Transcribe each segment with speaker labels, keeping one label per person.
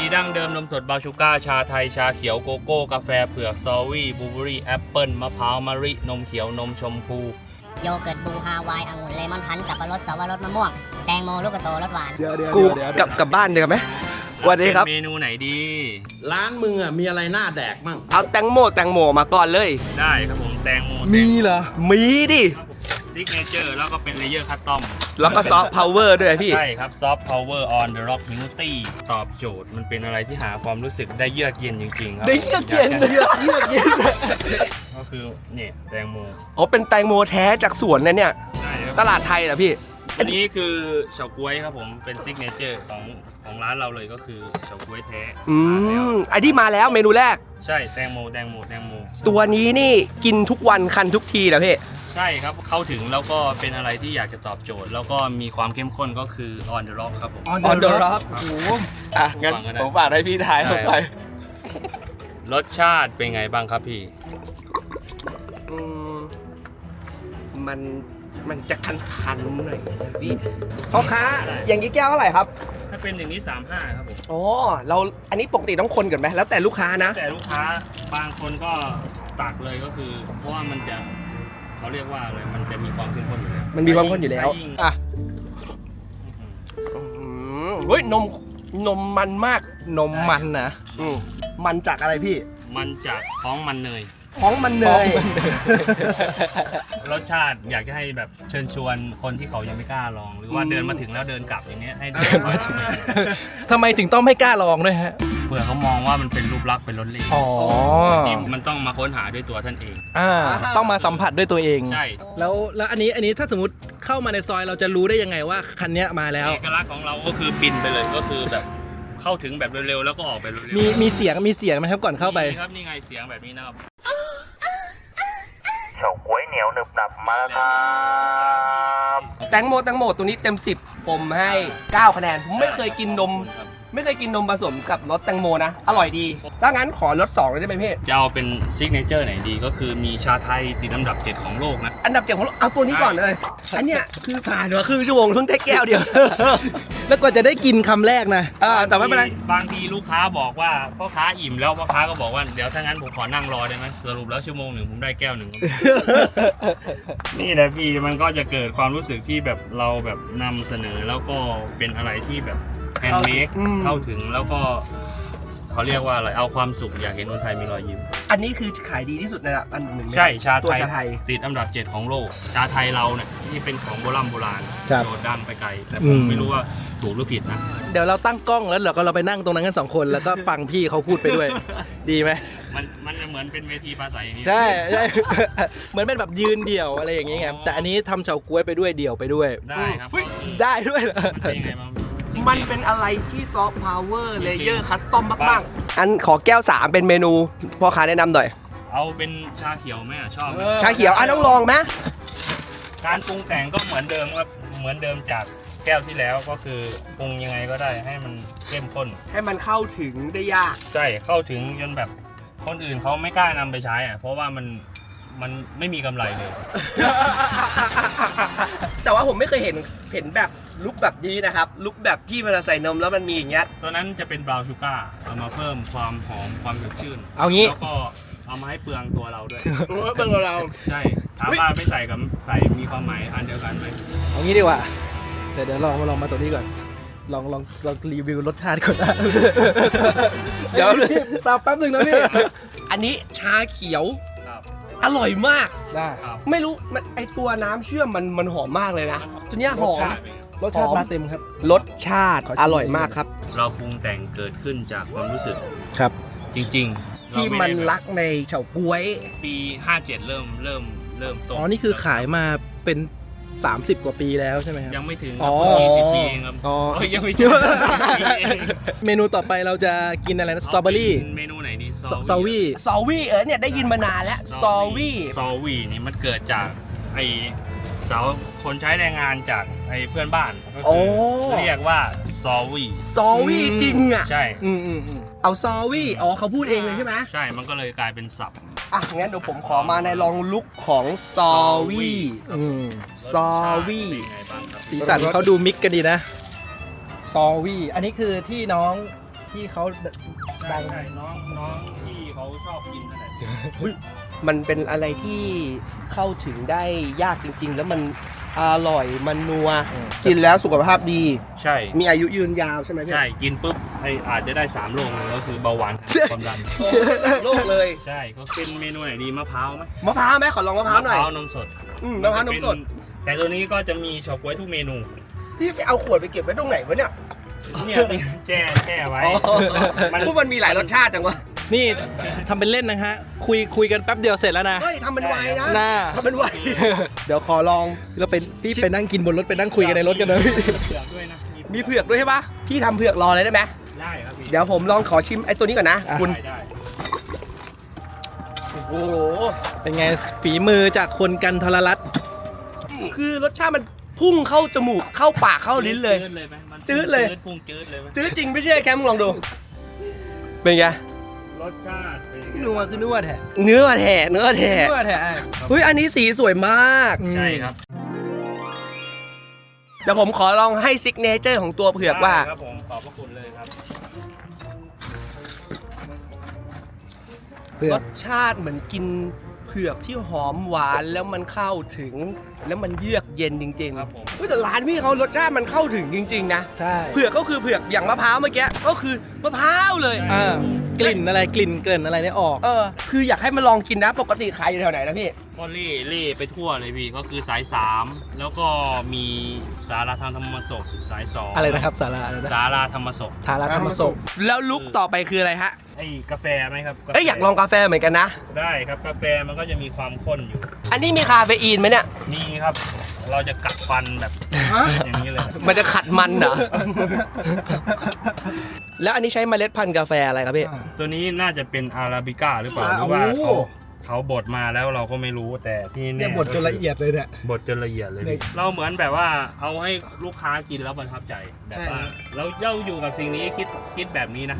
Speaker 1: ดั้งเดิมนมสดบราวน์ชูการ์ชาไทยชาเขียวโกโก้กาแฟเผือกซอวี่บลูเบอร์รี่แอปเปิลมะพร้าวมะลินมเขียวนมชมพู
Speaker 2: โยเกิร์ตบูฮาวายองุ่นเลมอนพันธุ์สับปะรดสวรสมะม่วงแตงโมลูกกระโตรสหวาน
Speaker 3: กูกลับบ้านเดียวไหมวันนี้ครับ
Speaker 1: เมนูไหนดี
Speaker 4: ร้านมึงอ่ะมีอะไรน่าแดกมั่ง
Speaker 3: เอาแตงโมมาก่อนเลย
Speaker 1: ได้ครับผมแตงโม
Speaker 3: มีเหรอ มีดิ
Speaker 1: ซิกเนเจอร์แล้วก็เป็นเลเยอร์คัสตอม
Speaker 3: แล้วก็ซอฟต์พาวเวอร์ด้วยพี่
Speaker 1: ใช่ครับซอฟต์พาวเวอร์ออนเดอะร็อกฮิวตี้ตอบโจทย์มันเป็นอะไรที่หาความรู้สึกได้เยือกเย็นจริงๆครับ
Speaker 3: ได้เยือกเย็น
Speaker 1: ก็คือเนี่ยแตงโม
Speaker 3: อ๋อเป็นแตงโมแท้จากสวนเลยเนี่ย
Speaker 1: ใช่ครับ
Speaker 3: ตลาดไทยเหรอพี่
Speaker 1: อันนี้คือเฉาก๊วยครับผมเป็นซิกเนเจอร์ของร้านเราเลยก็คือเฉาก๊วยแท้
Speaker 3: ไอ้ที่มาแล้วเมนูแรก
Speaker 1: ใช่แตงโม
Speaker 3: ตัวนี้นี่กินทุกวันคันทุกทีเหรอพี่
Speaker 1: ใช่ครับเข้าถึงแล้วก็เป็นอะไรที่อยากจะตอบโจทย์ แล้วก็มีความเข้มข้นก็คือ on the rock ครับผม
Speaker 3: On the Rock โอ้โหอ่ะงั้นผมฝากให้พี่ทายเข้าไป
Speaker 1: รสชาติเป็นไงบ้างครับพี่
Speaker 3: มันจะคันๆหน่อยนะพี่พ่อค้าอย่างนี้แก้วเท่าไหร่ครับ
Speaker 1: ถ้าเป็นอย่างนี้35ครับผม
Speaker 3: อ๋ออันนี้ปกติต้องคนกันไหมแล้วแต่ลูกค้านะ
Speaker 1: แต่ลูกค้าบางคนก็ตักเลยก็คือเพราะว่ามันจะเขาเรียกว่าอะไรมันจะมีความเข้มข้นอยู่แล้ว
Speaker 3: มันมีความข้นอยู่แล้ว
Speaker 1: ยิ่ง
Speaker 3: อ่ะเฮ้ยนมมันมากนมมันนะมันจากอะไรพี่
Speaker 1: มันจากท้องมันเนย
Speaker 3: ท้องมันเนย
Speaker 1: รสชาติอยากจะให้แบบเชิญชวนคนที่เขายังไม่กล้าลอง หรือว่าเดินมาถึงแล้วเดินกลับอย่างเงี้ยให้เดินมาถึง
Speaker 5: ทำไมถึงต้องไม่กล้าลองด้วยฮะ
Speaker 1: เผื่อเขามองว่ามันเป็นรูปลักษณ์เป็นรสเล่ห์
Speaker 5: อ๋อ
Speaker 1: ที่มันต้องมาค้นหาด้วยตัวท่านเอง
Speaker 5: ต้องมาสัมผัสด้วยตัวเอง
Speaker 1: ใช่
Speaker 5: แล้วอันนี้ถ้าสมมติเข้ามาในซอยเราจะรู้ได้ยังไงว่าคันเนี้ยมาแล้ว
Speaker 1: เอกลักษณ์ของเราก็คือบินไปเลยก็คือแบบเข้าถึงแบบเร็วๆแล้วก็ออกไปเร็วๆ
Speaker 5: มีเสียงไหมครับก่อนเข้าไป
Speaker 1: ครับนี่ไงเสียงแบบนี้นะครับ
Speaker 6: เฉาก๊วยเหนียวหนึบหนับมาแล้วครับ
Speaker 3: แตงโมตัวนี้เต็ม 10 ผมให้ 9 คะแนน ผมไม่เคยกินนมผสมกับรสแตงโมนะ อร่อยดีถ้างั้นขอรส2เลยได้ไหมพี่
Speaker 1: จะเอาเป็นซิกเนเจอร์ไหนดีก็คือมีชาไทยติดอันดับ 7 ของโลกนะ
Speaker 3: อันดับ7ของเราเอาตัวนี้ก่อนเลย อันเนี้ยคือผ่านมาครึ่งชั่วโมงเพิ่งได้แก้วเดียว
Speaker 5: แล้วกว่าจะได้กินคำแรกนะ
Speaker 3: แต่ไม่เป็นไร
Speaker 1: บางทีลูกค้าบอกว่าพ่อค้าอิ่มแล้วพ่อค้าก็บอกว่าเดี๋ยวถ้างั้นผมขอนั่งรอได้ไหมสรุปแล้วชั่วโมงหนึ่งผมได้แก้วหนึ่ง นี่แหละพี่มันก็จะเกิดความรู้สึกที่แบบเราแบบนำเสนอแล้วก็เป็นอะไรที่แบบแฮนด์เมดเข้าถึงแล้วก็เขาเรียกว่าอะไรเอาความสุขอยากเห็นคนไทยมีรอยยิ้ม
Speaker 3: อันนี้คือขายดีที่สุดในอันหนึ่ง
Speaker 1: ใช่ชา
Speaker 3: ตัว
Speaker 1: ไทย
Speaker 3: ชาไทย
Speaker 1: ติดอันดับ 7 ของโลกชาไทยเราเนี่ยที่เป็นของโบราณ
Speaker 5: ครับ
Speaker 1: โดดดังไปไกลแต่ผมไม่รู้ว่าถูกหรือผิดนะ
Speaker 5: เดี๋ยวเราตั้งกล้องแล้วเราไปนั่งตรงนั้นกัน2 คนแล้วก็ฟังพี่เขาพูดไปด้วย ดีไหม
Speaker 1: มันจะเหมือนเป็นเวทีปราศัยอย่างนี้
Speaker 5: ใช่ เหมือนเป็นแบบยืนเดี่ยวอะไรอย่างเงี้ยไงแต่อันนี้ทำเฉาก๊วยไปด้วยเดี่ยวไปด้วย
Speaker 1: ได้ครับ
Speaker 5: ได้ด้วยเหรอ
Speaker 1: มันเป็นยังไงบ้าง
Speaker 3: มันเป็นอะไรที่ซอฟต์พาวเวอร์เลเยอร์คัสตอมมากๆอันขอแก้ว 3 เป็นเมนูพ่อค้าแนะนำหน่อย
Speaker 1: เอาเป็นชาเขียวไหมชอบไหม
Speaker 3: ชาเขียวต้องลองไหม
Speaker 1: การปรุงแต่งก็เหมือนเดิมครับเหมือนเดิมจากแก้วที่แล้วก็คือปรุงยังไงก็ได้ให้มันเข้มข้น
Speaker 3: ให้มันเข้าถึงได้ยาก
Speaker 1: ใช่เข้าถึงจนแบบคนอื่นเขาไม่กล้านำไปใช้อ่ะเพราะว่ามันไม่มีกำไรเลย
Speaker 3: แต่ว่าผมไม่เคยเห็นแบบลุกแบบนี้นะครับลุกแบบที่มันใส่นมแล้วมันมีอย่างเงี้ย
Speaker 1: ตัวนั้นจะเป็นบราวน์ชูการ์เอามาเพิ่มความหอมความสดชื่น
Speaker 5: เอางี้
Speaker 1: แล้วก็เอามาให้เปลืองตัวเราด้วย
Speaker 3: เบิ่งเรา
Speaker 1: ใช่ถามว่าไม่ใส่กับใส่มีความหมายอันเดียวกันไหม
Speaker 5: เอางี้ดีกว่าเดี๋ยวลองมาตัวนี้ก่อนลองรีวิวรสชาติก่อนนะ เดี๋ยวพี่แป๊บนึงนะพี่
Speaker 3: อันนี้ชาเขียว
Speaker 1: ครับ
Speaker 3: อร่อยมาก
Speaker 5: ได้
Speaker 1: ครับ
Speaker 3: ไม่รู้มันไอตัวน้ำเชื่อมมันหอมมากเลยนะตัวเนี้ยหอม
Speaker 5: รสชาติมาเต็มครับ
Speaker 3: รสชาติ
Speaker 5: ขอชิม
Speaker 3: อร่อยมากครับ
Speaker 1: เราปรุงแต่งเกิดขึ้นจากความรู้สึก
Speaker 5: ครับ
Speaker 1: จริงๆ
Speaker 3: ที่
Speaker 1: เรา
Speaker 3: มัน
Speaker 1: ไได้
Speaker 3: รักในเฉาก๊วย
Speaker 1: ปี 57 เริ่มต้น
Speaker 5: อ๋อนี่คือขายมาเป็น30 กว่าปีแล้วใช่ไหมครับ
Speaker 1: ยังไม่ถึงค
Speaker 5: อ๋
Speaker 1: รั
Speaker 5: อบ
Speaker 1: 20 ปีเองครับ
Speaker 5: อ๋อ
Speaker 1: โอ้ยยังไม่ถึง
Speaker 5: เมนูต่อไปเราจะกินอะไรนะสตรอเบอรี่
Speaker 1: าป็นเมนูไหนดี
Speaker 5: ซาวี่
Speaker 3: ซอวี่เนี่ยได้ยินมานานแล้วซอวี่
Speaker 1: ซอวี่นี่มันเกิดจากไอสาวคนใช้แรงงานจากไอเพื่อนบ้านก็คือเรียกว่าซอวี่
Speaker 3: ซอวี่จริงอ่ะ
Speaker 1: ใช่
Speaker 5: อืม
Speaker 3: เอาซอวี่อ๋อเขาพูดเองเลยใช่ไหม
Speaker 1: ใช่มันก็เลยกลายเป็นศัพท์
Speaker 3: อ่ะงั้นเดี๋ยวผมขอมาในลองลุกของซอวี่ ซอวี่
Speaker 1: เป็นไงบ้างครับ
Speaker 5: สีสันเขาดูมิกกันดีนะซอวี่อันนี้คือที่น้องที่เขาดัง
Speaker 1: ใช่น้องที่เขาชอบกินนั่นแหละ
Speaker 3: มันเป็นอะไรที่เข้าถึงได้ยากจริง ๆ แล้วมันอร่อยมันนัวกินแล้วสุขภาพดี
Speaker 1: ใช่
Speaker 3: มีอายุยืนยาวใช่ไหมพี่
Speaker 1: ใช่กินปุ๊บอาจจะได้3โรคเลยก็คือเบาหวานความดัน
Speaker 3: โลกเลย
Speaker 1: ใช่ก็เป็นเมนูไหนดีมะพร้าวไหม
Speaker 3: มะพร้าวไหมขอลองมะพร้าวหน่อย
Speaker 1: มะพร้าวนมสด
Speaker 3: มะพร้าวนมสด
Speaker 1: แต่ตัวนี้ก็จะมีเฉาก๊วยทุกเมนู
Speaker 3: พี่ไปเอาขวดไปเก็บไว้ตรงไหนวะเนี่ย
Speaker 1: เนี่ยแช่ไว้
Speaker 3: พวกมันมีหลายรสชาติจังวะ
Speaker 5: นี่ทำเป็นเล่นนะฮะคุยกันแป๊บเดียวเสร็จแล้วนะ
Speaker 3: เฮ้ยทำเป็นไวนะ
Speaker 5: หน้า
Speaker 3: ทำเป็นไว เดี๋ยวขอลอง
Speaker 5: เราเป็นพี่ไปนั่งกินบนรถไปนั่งคุยกันในรถกันนะพี่
Speaker 1: เผือกด้วยนะ
Speaker 3: มีเผือกด้วยใช่ปะพี่ทำเผือกรอเลยได้ไหม
Speaker 1: ได้ครับพี่
Speaker 3: เดี๋ยวผมลองขอชิมไอ้ตัวนี้ก่อนนะ คุณ
Speaker 1: ได้
Speaker 3: โอ้โห
Speaker 5: เป็นไงฝีมือจากคนกันทรลัตน์
Speaker 3: คือรสชาติมันพุ่งเข้าจมูกเข้าปากเข้าลิ้นเลย
Speaker 1: จืดเลยไหมมัน
Speaker 3: จืดเลย
Speaker 1: พุ่งจืดเลยไหม
Speaker 3: จื้อจริงไม่เชื่อแคมมึงลองดู เป็นไง
Speaker 1: รสชาติเป็นยังไง
Speaker 5: นัวคือนัวแท้
Speaker 3: เนื้อแท้เนื้อแท้
Speaker 5: นัวแท้
Speaker 3: เฮ้ยอันนี้สีสวยมาก
Speaker 1: ใช่ครับ
Speaker 3: เดี๋ยวผมขอลองให้ซิกเนเจอร์ของตัวเผือกว่า
Speaker 1: ได้ครับผมขอบพระคุณเลยครับ
Speaker 5: เผือ
Speaker 3: ร
Speaker 5: ก
Speaker 3: สชาติเหมือนกินเผือกที่หอมหวานแล้วมันเข้าถึง แล้วมันเยือกเย็นจริงๆ
Speaker 1: ครับผม
Speaker 3: เฮ้ยแต่ร้านพี่เขารสชาติมันเข้าถึงจริงๆนะ
Speaker 5: ใช่
Speaker 3: เผือกก็คือเผือกอย่างมะพร้าวเมื่อกี้ก็คือมะพร้าวเลย
Speaker 5: กลิ่นอะไรกลิ่นเกลิ่นอะไรเนี่ยออก
Speaker 3: คืออยากให้มาลองกินนะปกติขายอยู่แถวไหนนะพี่
Speaker 1: ก็เล่ไปทั่วเลยพี่ก็คือสาย 3 แล้วก็มีสาราทางธรรมศพสาย 2
Speaker 5: อะไรนะครับสาระอะไรนะ
Speaker 1: สาราธรรมศพ
Speaker 5: ทาราธรรมศพ
Speaker 3: แล้วลุกต่อไปคืออะไรฮะ
Speaker 1: ไอ้กาแฟไหมครับ
Speaker 3: เอ้ยอยากลองกาแฟเหมือนกันนะ
Speaker 1: ได้ครับกาแฟมันก็จะมีความข้นอยู่
Speaker 3: อันนี้มีคาเฟอีนไหมเนี่ย
Speaker 1: มีครับ เราจะกัดฟันแบบอย่างนี้เลย
Speaker 3: มันจะขัดมันเหรอ แล้วอันนี้ใช้เมล็ดพันธุ์กาแฟอะไรครับพี่
Speaker 1: ตัวนี้น่าจะเป็นอาราบิก้าหรือเปล่าหรือว่าเขาบดมาแล้วเราก็ไม่รู้แต่ที่
Speaker 5: เนี่
Speaker 1: เนี่ย
Speaker 5: บทจนละเอียดเลยเนี่ย
Speaker 1: บดจนละเอียดเลย
Speaker 5: เนี่ย
Speaker 1: เราเหมือนแบบว่าเอาให้ลูกค้ากินแล้วประทับใจแบบว่าเราอยู่กับสิ่งนี้คิดแบบนี้นะ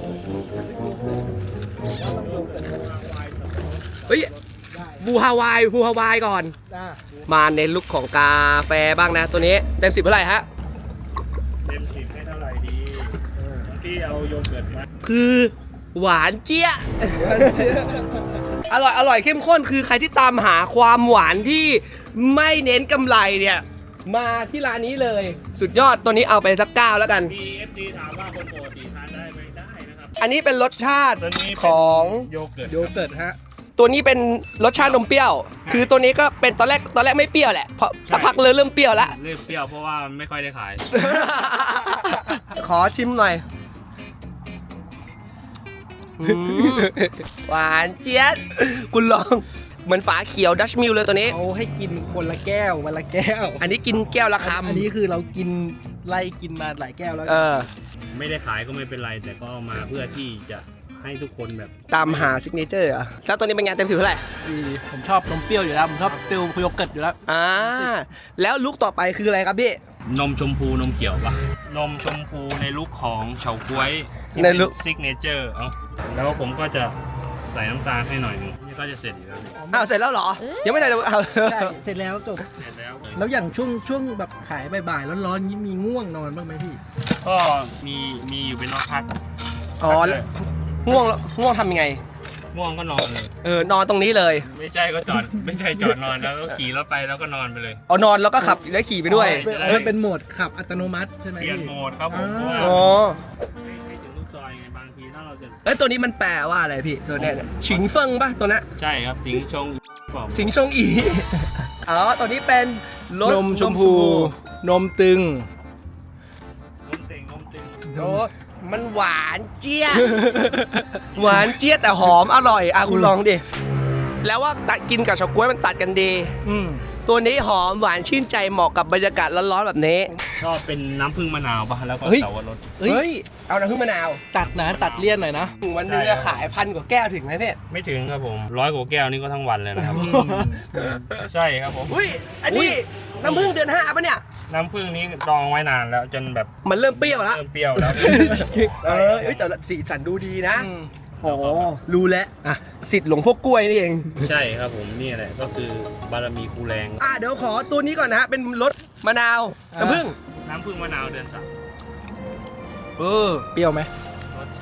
Speaker 3: เฮ้ยบูฮาวายก่อน มาในลุคของกาแฟบ้างนะ ตัวนี้เต็ม10เท่าไหร่ฮะ
Speaker 1: เต็ม10ให้เท่าไหร่ดีที่เอาโยเกิร์ตมา
Speaker 3: คือหวานเจี๊ยะ อร่อยเข้มข้นคือใครที่ตามหาความหวานที่ไม่เน้นกำไรเนี่ย มาที่ร้านนี้เลย สุดยอดตัวนี้เอาไปสัก9แล้วกัน
Speaker 1: มีFD ถามว่าคนปกติทานได้ไหมได้นะครับ
Speaker 3: อันนี้เป็นรสชาติ
Speaker 1: ตัวนี้เป็น
Speaker 3: ของ
Speaker 1: โยเกิร์ต
Speaker 5: โยเกิร์ตฮะ
Speaker 3: ตัวนี้เป็นรสชาตินมเปรี้ยว คือตัวนี้ก็เป็นตอนแรกไม่เปรี้ยวแหละเพราะสักพักเลยเริ่มเปรี้ยวแล้ว
Speaker 1: เริ่มเปรี้ยวเพราะว่าไม่ค่อยได้ขาย
Speaker 3: ขอชิมหน่อยหวานเจี๊ยบคุณลองเหมือนฝาเขียวดัชมิลเลยตัวนี้
Speaker 5: เขาให้กินคนละแก้ววันละแก้ว
Speaker 3: อันนี้กินแก้วละคำ
Speaker 5: อันนี้คือเรากินไล่กินมาหลายแก้วแล้ว
Speaker 1: ไม่ได้ขายก็ไม่เป็นไร แต่ก็เอามาเพื่อที่จะให้ทุกคนแบบ
Speaker 3: ตามหาซิกเนเจอร์อะแล้วตัวนี้เป็นไงเต็ม10เท่าไหร่
Speaker 5: ดีผมชอบนมเปรี้ยวอยู่แล้วผมชอบฟิลโยเกิร์ตอยู่แล้ว
Speaker 3: แล้วลุกต่อไปคืออะไรครับพี่
Speaker 1: นมชมพูนมเขียวปะนมชมพูในลุคของเฉาก๊วยที่
Speaker 3: ใน
Speaker 1: เป็น
Speaker 3: ลุค
Speaker 1: ซิกเนเจอร์แล้วผมก็จะใส่น้ำตาลให้หน่อยหนึงนี่ก็จะเสร็จอยู่แล้วนี่
Speaker 3: อ้าวเสร็จแล้วเหรอ ยังไม่ได้เลยเอา
Speaker 5: ใช่เสร็จแล้วจบ
Speaker 1: เสร็จแล้ว
Speaker 5: แล้วอย่างช่วงแบบขายบ่ายๆร้อนๆนี้มีง่วงนอนบ้างไหมพี่
Speaker 1: ก็มีอยู่เป็นพัก
Speaker 3: อ๋อแล้วง่วงทำยังไง
Speaker 1: ง่วงก็นอนเลย
Speaker 3: นอนตรงนี้เลย
Speaker 1: ไม่ใช่ก็จอด ไม่ใช่จอดนอนแล้วก็ขี่รถไปแล้วก็นอนไปเลย
Speaker 3: เอานอนแล้วก็ขับแล้วขี่ไปด้วย
Speaker 5: เป็นโหมดขับอัตโนมัติใช่ไหม
Speaker 1: เปลี่ยน
Speaker 5: พี่
Speaker 1: โหมดครับผมเพราะว่า
Speaker 3: อ๋อ
Speaker 1: ให้ถึงลูกซอยไงบางทีถ้าเราจะ
Speaker 3: เอ้ยตัวนี้มันแปลว่าอะไรพี่ตัวเนี้ยฉิงเฟิงป่ะตัวนั้น
Speaker 1: ใช่ครับสิงชงบอก
Speaker 3: สิงชงอี อ๋อตัวนี้เป็นรส
Speaker 5: นมชมพูนมตึง
Speaker 1: นมเต็ง
Speaker 3: โอ้มันหวานเจี๊ยบ หวานเจี๊ยบแต่หอมอร่อยคุณลองดิ แล้วว่าตัดกินกับเฉาก๊วยมันตัดกันดี ตัวนี้หอมหวานชื่นใจเหมาะกับบรรยากาศร้อนๆแบบนี้
Speaker 1: ก็เป็นน้ำผึ้งมะนาวป่ะแล้วก็
Speaker 3: เฮ้ย
Speaker 1: เสาวรส
Speaker 3: เฮ้ย เอาน้ำผึ้งมะนาว
Speaker 5: ตัดนะตัดเลี่ยนหน่อยนะ
Speaker 3: วันหนึงจะขาย1,000 กว่าแก้วถึงไหมพี่
Speaker 1: ไม่ถึงครับผม100 กว่าแก้วนี่ก็ทั้งวันเลยนะครับ ใช่ครับผม
Speaker 3: อุ้ย อันนี้น้ำผึ้งเดือน5ป่ะเนี่ย
Speaker 1: น้ำผึ้งนี้ดองไว้นานแล้วจนแบบ
Speaker 3: มันเริ่มเปรี้ยวแล้ว
Speaker 1: เริ่มเปรี้ยวแล้ว
Speaker 3: เฮ้ยแต่สีสันดูดีนะ โอ้รู้แล้วสิทธิ์หลวงพ่อกล้วยนี่เอง
Speaker 1: ใช่ครับผมนี่แหละก็คือบารมีครูแรง
Speaker 3: เดี๋ยวขอตัวนี้ก่อนนะฮะ เป็นรสมะนาวน้ำผึ้ง
Speaker 1: น้ำผึ้งมะนาวเดือน
Speaker 5: เปรี้ยวไหม
Speaker 1: 3รส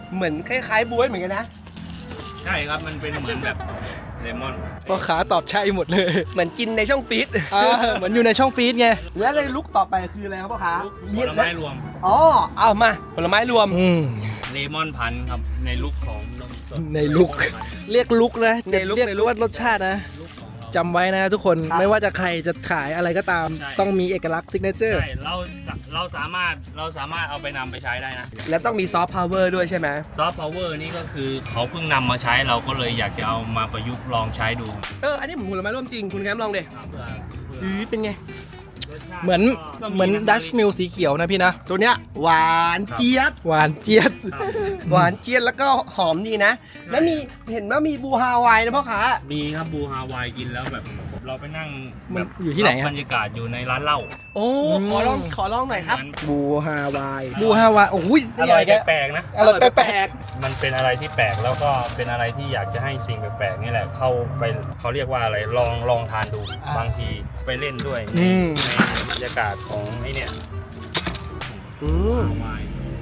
Speaker 3: เหมือนคล้ายๆบ๊วยเหมือนกันนะ
Speaker 1: ใช่ครับมันเป็นเหมือนแบบเลมอน
Speaker 5: พ่อค้าตอบใช่หมดเลย
Speaker 3: เหมือนกินในช่องฟีด
Speaker 5: เหมือนอยู่ในช่องฟีดไง
Speaker 3: แล้วเลยลุกต่อไปคืออะไรครับพ่อค้า
Speaker 1: ผลไม้รวม
Speaker 3: อ๋อเอามาผลไม้รวม
Speaker 1: เลมอนพันธุ์ครับในลุคของนมสด
Speaker 5: ในลุค
Speaker 1: เลมอนพันธุ์
Speaker 5: เรียกลุกนะ
Speaker 3: ในลุค
Speaker 5: เรียก
Speaker 3: ในลุค
Speaker 5: ว่ารสชาตินะ
Speaker 1: ลุคของเรา
Speaker 5: จำไว้นะทุกคน
Speaker 3: ครับ
Speaker 5: ไม่ว่าจะใครจะขายอะไรก็ตาม
Speaker 1: ใช่
Speaker 5: ต้องมีเอกลักษณ์ซิกเนเจอร์
Speaker 1: ใช่เราสามารถเอาไปนำไปใช้ได้นะ
Speaker 3: แล้วต้องมีซอฟต์พาวเวอร์ด้วยใช่ไหม
Speaker 1: ซอฟต์พาวเวอร์นี่ก็คือเขาเพิ่งนำมาใช้เราก็เลยอยากจะเอามาประยุกต์ลองใช้ดู
Speaker 3: อันนี้ผมผลไม้ร่วมจริงคุณแคมป์ลองดิ
Speaker 1: เพื่อ
Speaker 3: เป็นไง
Speaker 1: รสชาติ
Speaker 5: เหมือน
Speaker 1: ก็
Speaker 5: เหมือนดัชมิลสีเขียวนะพี่นะ
Speaker 3: ตัวเนี้ยหวานเจี๊ยบ
Speaker 5: หวานเจี๊ยบ
Speaker 1: ครับ
Speaker 3: หวานเจี๊ยบแล้วก็หอมดีนะ แล้วมีเห็นว่ามีบูฮาวายนะพ่อค้า
Speaker 1: มีครับบูฮาวายกินแล้วแบบเราไปนั่ง
Speaker 5: มัน
Speaker 1: แบบ
Speaker 5: อยู่ที่ไหน
Speaker 1: รั
Speaker 5: อะ
Speaker 1: บรรยากาศอยู่ในร้านเหล้า
Speaker 3: โอ้ขอลองหน่อยครับ
Speaker 1: มัน
Speaker 5: บูฮาวายบูฮาวายโอ้ย
Speaker 1: อร่อยแปลกๆนะ
Speaker 5: อร่อยแปลก
Speaker 1: มันเป็นอะไรที่แปลกแล้วก็เป็นอะไรที่อยากจะให้สิ่งแปลกๆนี่แหละเข้าไปเขาเรียกว่าอะไรลองทานดูบางทีไปเล่นด้วยในบรรยากาศของไอ้เนี่ย
Speaker 3: อืม
Speaker 1: ฮาวาย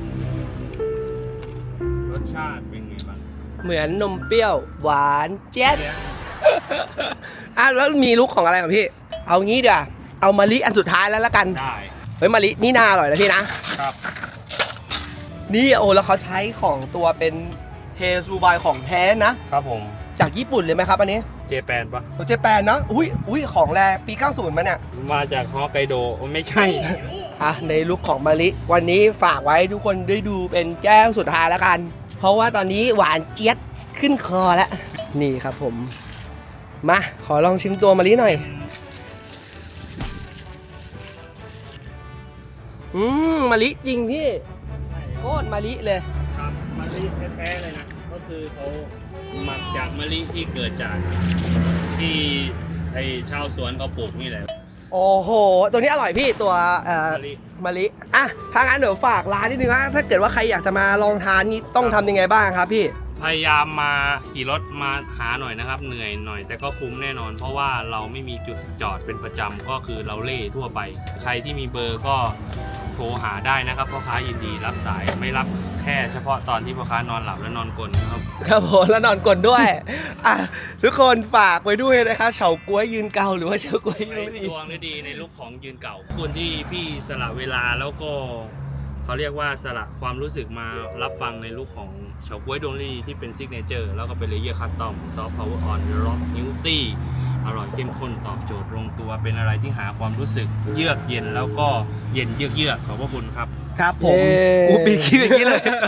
Speaker 1: รสชาติเป็นไงบ้าง
Speaker 3: เหมือนนมเปรี้ยวหวานเจี๊ยบ แล้วมีลุกของอะไรของพี่ เอางี้เดี๋ยวาเอามะลิอันสุดท้ายแล้วละกัน
Speaker 1: ได้
Speaker 3: เฮ้ยมะลินี่น่าอร่อยนะพี่นะ
Speaker 1: ครับ
Speaker 3: นี่โอ้แล้วเขาใช้ของตัวเป็นเฮซูบายของแท้นะ
Speaker 1: ครับผม
Speaker 3: จากญี่ปุ่นเลยไหมครับอันนี้
Speaker 1: เจแปนปะ
Speaker 3: โอเจแปนเนาะอุ้ยของแรปี 90มาเนี่ย
Speaker 1: มาจากฮอกไกโดโอ้ไม่ใช่
Speaker 3: ในลุคของมะลิวันนี้ฝากไว้ทุกคนได้ดูเป็นแก้วสุดท้ายแล้วกัน เพราะว่าตอนนี้หวานเจี๊ยบขึ้นคอแล้ว นี่ครับผม มาขอลองชิมตัวมะลิหน่อย มะลิจริงพี่โคตรมะลิเลย
Speaker 1: ครับมะลิแท้ๆเลยนะ ก็คือเขาหมักจากมะลิที่เกิดจากที่ไอชาวสวนเขาปลูกนี่แหละ
Speaker 3: โอ้โห ตัวนี้อร่อยพี่ตัว
Speaker 1: มะลิ
Speaker 3: มะลิอ่ะถ้างั้นเดี๋ยวฝากร้านนิดนึงนะถ้าเกิดว่าใครอยากจะมาลองทานนี่ต้องทำยังไงบ้างครับพี่
Speaker 1: พยายามมาขี่รถมาหาหน่อยนะครับ เหนื่อยหน่อยแต่ก็คุ้มแน่นอน เพราะว่าเราไม่มีจุดจอดเป็นประจำก็คือเราเล่ทั่วไป ใครที่มีเบอร์ก็โทรหาได้นะครับพ่อค้ายินดีรับสายไม่รับแค่เฉพาะตอนที่พ่อค้านอนหลับและนอนกลนนะครับ
Speaker 3: ครับผมแล้วนอนกลนด้วย ทุกคนฝากไว้ด้วยนะครับเฉาก๊วยยืนเกาหรือว่าเฉาก๊วยยืนไม่ดี
Speaker 1: ดวงดีในลุคของยืนเก่าคุณที่พี่สละเวลาแล้วก็เขาเรียกว่าสละความรู้สึกมารับฟังในลุคของเฉาก๊วยดวงดีที่เป็นซิกเนเจอร์แล้วก็เป็นเลเยอร์คัสตอมซอฟต์พาวเวอร์ออนร็อกนิวตี้อร่อยเข้มข้นตอบโจทย์ลงตัวเป็นอะไรที่หาความรู้สึกเยือกเย็นแล้วก็เย็นเยือกๆขอบพระคุณครับ
Speaker 3: ครับผม
Speaker 5: เย้
Speaker 3: กูปีคิดอย่างนี้เลย